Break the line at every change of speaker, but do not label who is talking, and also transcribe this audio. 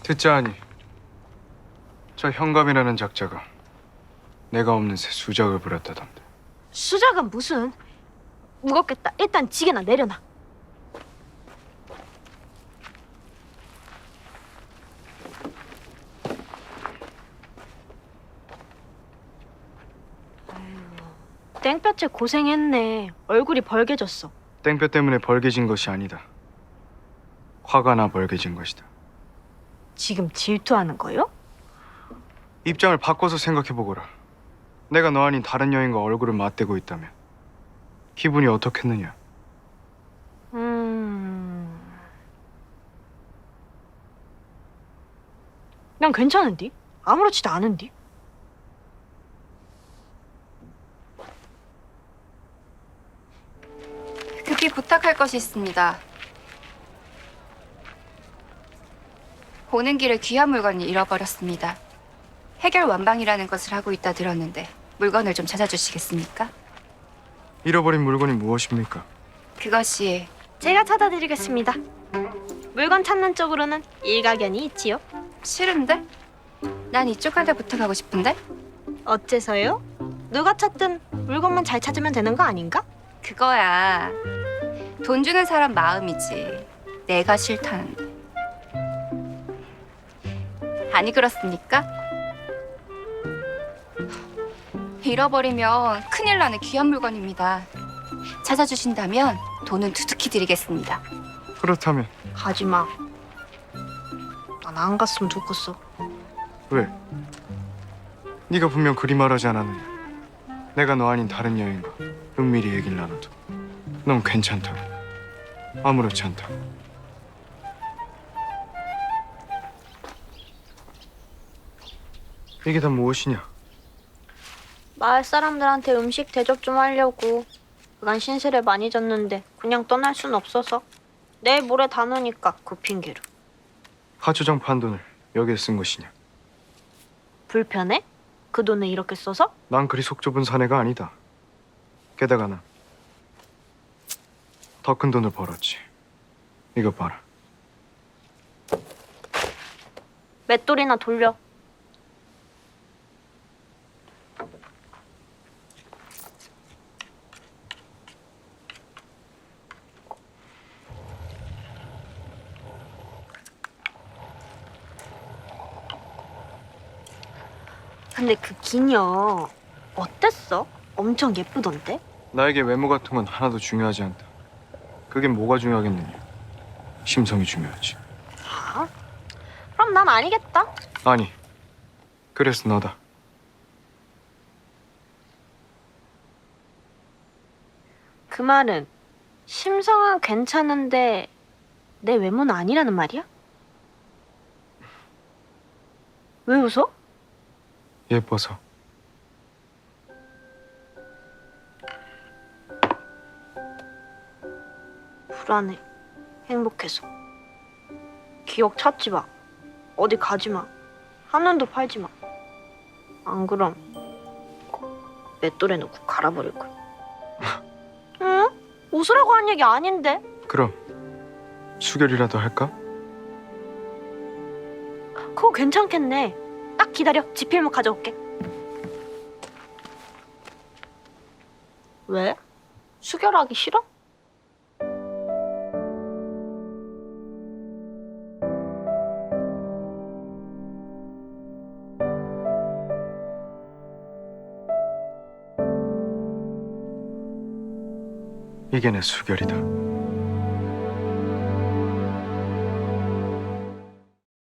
듣자하니 저 현감이라는 작자가 내가 없는 새 수작을 부렸다던데.
수작은 무슨. 무겁겠다. 일단 지게나 내려놔. 아이고, 땡볕에 고생했네. 얼굴이 벌개졌어.
땡볕 때문에 벌게진 것이 아니다. 화가 나 벌게진 것이다.
지금 질투하는 거요?
입장을 바꿔서 생각해보거라. 내가 너 아닌 다른 여인과 얼굴을 맞대고 있다면 기분이 어떻겠느냐?
난 괜찮은디? 아무렇지도 않은디?
급히 부탁할 것이 있습니다. 오는 길에 귀한 물건을 잃어버렸습니다. 해결 완방이라는 것을 하고 있다 들었는데 물건을 좀 찾아주시겠습니까?
잃어버린 물건이 무엇입니까?
그것이
제가 찾아드리겠습니다. 물건 찾는 쪽으로는 일가견이 있지요.
싫은데? 난 이쪽한테 부탁하고 싶은데?
어째서요? 누가 찾든 물건만 잘 찾으면 되는 거 아닌가?
그거야. 돈 주는 사람 마음이지. 내가 싫다는데. 아니 그렇습니까? 잃어버리면 큰일 나는 귀한 물건입니다. 찾아주신다면 돈은 두둑히 드리겠습니다.
그렇다면
가지마. 난 안 갔으면 좋겠어.
왜? 네가 분명 그리 말하지 않았느냐? 내가 너 아닌 다른 여인과 은밀히 얘기를 나눠도 넌 괜찮다고. 아무렇지 않다고. 이게 다 무엇이냐?
마을 사람들한테 음식 대접 좀 하려고. 그간 신세를 많이 졌는데 그냥 떠날 순 없어서 내일 모레 다 노니까 그 핑계로.
하초장 판 돈을 여기에 쓴 것이냐?
불편해? 그 돈을 이렇게 써서?
난 그리 속 좁은 사내가 아니다. 게다가 난 더 큰 돈을 벌었지. 이거 봐라.
맷돌이나 돌려. 근데 그 기녀 어땠어? 엄청 예쁘던데?
나에게 외모 같은 건 하나도 중요하지 않다. 그게 뭐가 중요하겠느냐? 심성이 중요하지.
아? 그럼 난 아니겠다.
아니, 그래서 너다.
그 말은 심성은 괜찮은데 내 외모는 아니라는 말이야? 왜 웃어?
예뻐서.
불안해. 행복해서. 기억 찾지 마. 어디 가지 마. 한눈도 팔지 마. 안 그럼 맷돌에 넣고 갈아버릴 거야. 응? 웃으라고 한 얘기 아닌데?
그럼 수결이라도 할까?
그거 괜찮겠네. 딱 기다려. 지필목 가져올게. 왜? 수결하기 싫어?
이게 내 수결이다.